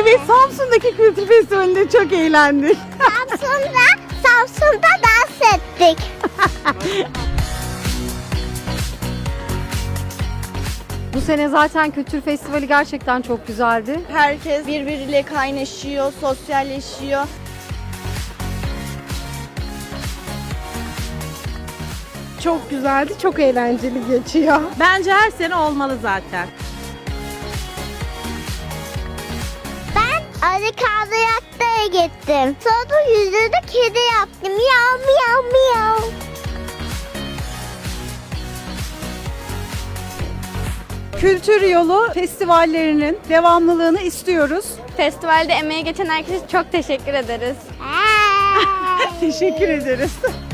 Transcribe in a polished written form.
Evet, Samsun'daki kültür festivalinde çok eğlendik. Samsun'da dans ettik. Bu sene zaten kültür festivali gerçekten çok güzeldi. Herkes birbiriyle kaynaşıyor, sosyalleşiyor. Çok güzeldi, çok eğlenceli geçiyor. Bence her sene olmalı zaten. Ben Ali Kaldıracak'ta'ya gittim. Sonra yüzünü kedi yaptım. Miyav miyav miyav. Kültür Yolu festivallerinin devamlılığını istiyoruz. Festivalde emeği geçen herkese çok teşekkür ederiz. Teşekkür ederiz.